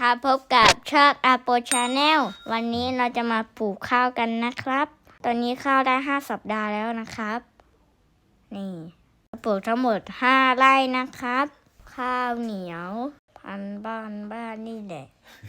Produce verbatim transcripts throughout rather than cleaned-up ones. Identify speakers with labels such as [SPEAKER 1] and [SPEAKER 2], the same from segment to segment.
[SPEAKER 1] ครับพบกับช่องอาโปชาแนลวันนี้เราจะมาปลูกข้าวกันนะครับ ตอนนี้ข้าวได้ห้าสัปดาห์แล้วนะครับ นี่ปลูกทั้งหมดห้าไร่นะครับ ข้าวเหนียวพันบ้านบ้านนี่แหละ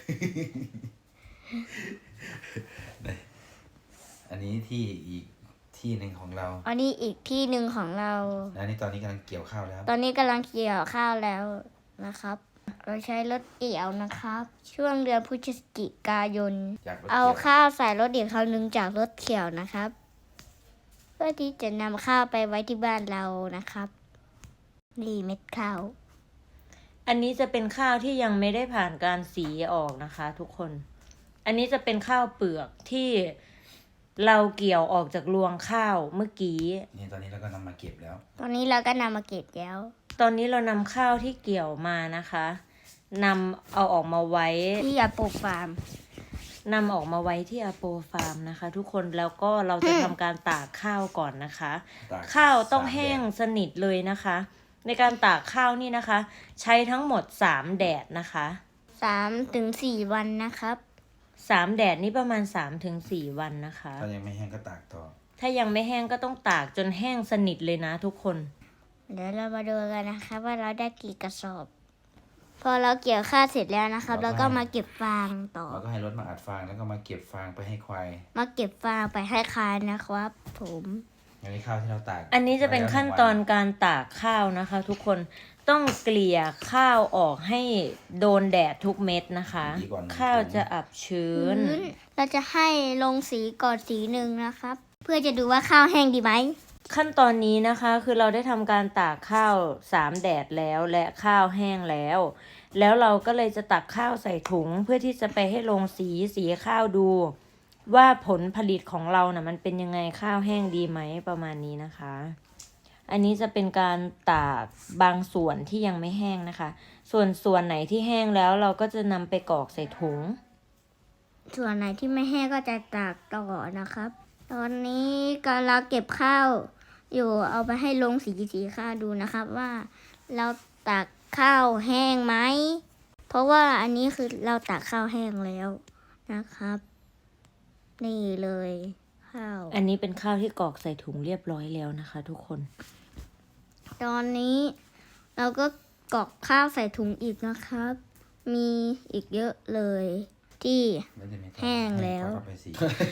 [SPEAKER 2] อันนี้ที่อีกที่หนึ่งของเรา
[SPEAKER 1] อันนี้อีกที่หนึ่งของเรา
[SPEAKER 2] แล้วนี่ตอนนี้กำลังเกี่ยวข้าวแล้ว
[SPEAKER 1] ตอนนี้กำลังเกี่ยวข้าวแล้วนะครับ เราใช้รถเกี่ยวนะครับ ช่วงเดือนพฤศจิกายน
[SPEAKER 2] จากรถ
[SPEAKER 1] เอา
[SPEAKER 2] เกี่ยว
[SPEAKER 1] ข้าวใส่รถอีกครั้งหนึ่งจากรถเกี่ยวนะครับ เพื่อที่จะนำข้าวไปไว้ที่บ้านเรานะครับนี่เม็ดข้าว
[SPEAKER 3] อันนี้จะเป็นข้าวที่ยังไม่ได้ผ่านการสีออกนะคะ ทุกคน อันนี้จะเป็นข้าวเปลือกที่เราเกี่ยวออกจากรวงข้าวเมื่อกี้
[SPEAKER 2] นี่ตอนนี้เราก็นำมาเก็บแล้ว
[SPEAKER 1] ตอนนี้เราก็นำมาเก็บแล้ว
[SPEAKER 3] ตอนนี้เรานำข้าวที่เกี่ยวมานะคะนำเอาออกมาไว้
[SPEAKER 1] ที่ยาปลูกฟาร์ม
[SPEAKER 3] นำออกมาไว้ที่อโปฟาร์มนะคะ ทุกคนแล้วก็เราจะทำการตากข้าวก่อนนะคะ
[SPEAKER 2] ตาก
[SPEAKER 3] ข้าวต้อง
[SPEAKER 2] สาม
[SPEAKER 3] แห้ง
[SPEAKER 2] แดด
[SPEAKER 3] สนิทเลยนะคะ ในการตากข้าวนี่นะคะ ใช้ทั้งหมดสามแดดนะคะ
[SPEAKER 1] สามถึงสี่วันนะครับ
[SPEAKER 3] สามแดดนี่ประมาณ สามถึงสี่ วันนะคะ
[SPEAKER 2] ถ้ายังไม่แห้งก็ตากต่อ
[SPEAKER 3] ถ้ายังไม่แห้งก็ต้องตากจนแห้งสนิทเลยนะทุกคน
[SPEAKER 1] เดี๋ยวเรามาดูกันนะคะว่าเราได้กี่กระสอบ พอเราเกี่ยวข้าวเสร็จแล้วนะครับเราก็มาเก็บฟางต่อ
[SPEAKER 2] เราก็ให้รถมาอัดฟางแล้วก็มาเก็บฟางไปให้ควาย
[SPEAKER 1] มาเก็บฟางไปให้คายนะครับ ผม
[SPEAKER 2] อันนี้ข้าวที่เราตาก
[SPEAKER 3] อันนี้จะเป็นขั้นตอนการตากข้าวนะคะ ทุกคนต้องเกลี่ยข้าวออกให้โดนแดดทุกเม็ดนะคะ
[SPEAKER 2] ดีกว่าหนึ่ง
[SPEAKER 3] ข้าวจะอับชื้น
[SPEAKER 1] พื้นเราจะให้ลงสีก่อนสีหนึ่งนะครับ เพื่อจะดูว่าข้าวแห้งดีไหม
[SPEAKER 3] ขั้นตอนนี้นะคะคือเราได้ทำการตากข้าวสามแดดแล้วและข้าวแห้งแล้ว แล้วเราก็เลยจะตักข้าวใส่ถุงเพื่อที่จะไปให้ลงสีสีข้าวดู ว่าผลผลิตของเรานะ่ะมันเป็นยังไงข้าวแห้งดีไหมประมาณนี้นะคะ อันนี้จะเป็นการตากบางส่วนที่ยังไม่แห้งนะคะ ส่วนส่วนไหนที่แห้งแล้วเราก็จะนำไปกรอกใส่ถุง
[SPEAKER 1] ส่วนไหนที่ไม่แห้งก็จะตากต่อนะครับ ตอนนี้กำลังเก็บข้าวอยู่เอาไปให้ลงสีสีข้าวดูนะครับว่าเราตากข้าวแห้งไหม เพราะว่าอันนี้คือเราตากข้าวแห้งแล้วนะครับ นี่เลยข้าว
[SPEAKER 3] อันนี้เป็นข้าวที่กรอกใส่ถุงเรียบร้อยแล้วนะคะ ทุกคน
[SPEAKER 1] ตอนนี้เราก็กรอกข้าวใส่ถุงอีกนะครับ มีอีกเยอะเลยที่
[SPEAKER 2] ไม่ได้ไม่ต้อง
[SPEAKER 1] แห้งแล้ว
[SPEAKER 2] ให้เขาเอาไปสี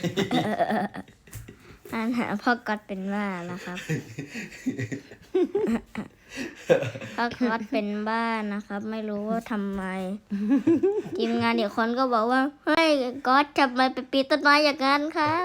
[SPEAKER 1] อาหารพ่อก๊อตเป็นบ้านะครับ พ่อก๊อตเป็นบ้านะครับ ไม่รู้ว่าทำไม ทีมงานเดี๋ยวคนก็บอกว่าเฮ้ยก๊อตทำไมไปปีนต้นไม้อย่างนั้นครับ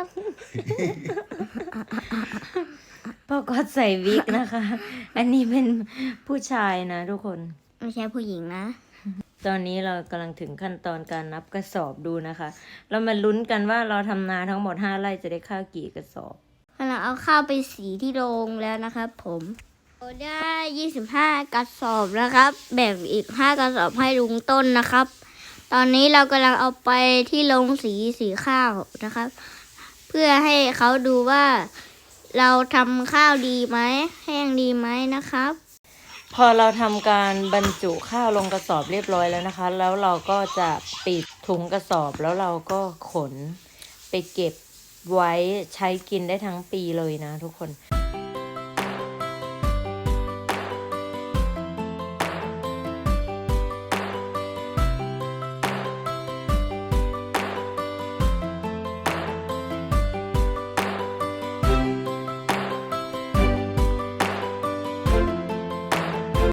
[SPEAKER 3] พ่อก็ใส่วิกนะคะ อันนี้เป็นผู้ชายนะทุกคน
[SPEAKER 1] ไม่ใช่ผู้หญิงนะ
[SPEAKER 3] ตอนนี้เรากำลังถึงขั้นตอนการนับกระสอบดูนะคะ เรามาลุ้นกันว่าเราทำนาทั้งหมดห้าไร่จะได้ข้าวกี่กระสอบ
[SPEAKER 1] เราเอาข้าวไปสีที่โรงแล้วนะครับผมเราได้ยี่สิบห้ากระสอบนะครับ แบ่งอีกห้ากระสอบให้ลุงต้นนะครับ ตอนนี้เรากำลังเอาไปที่โรงสีสีข้าวนะครับ เพื่อให้เขาดูว่าเราทำข้าวดีไหมแห้งดีไหมนะครับ
[SPEAKER 3] พอเราทำการบรรจุข้าวลงกระสอบเรียบร้อยแล้วนะคะ แล้วเราก็จะปิดถุงกระสอบแล้วเราก็ขนไปเก็บไว้ใช้กินได้ทั้งปีเลยนะทุกคน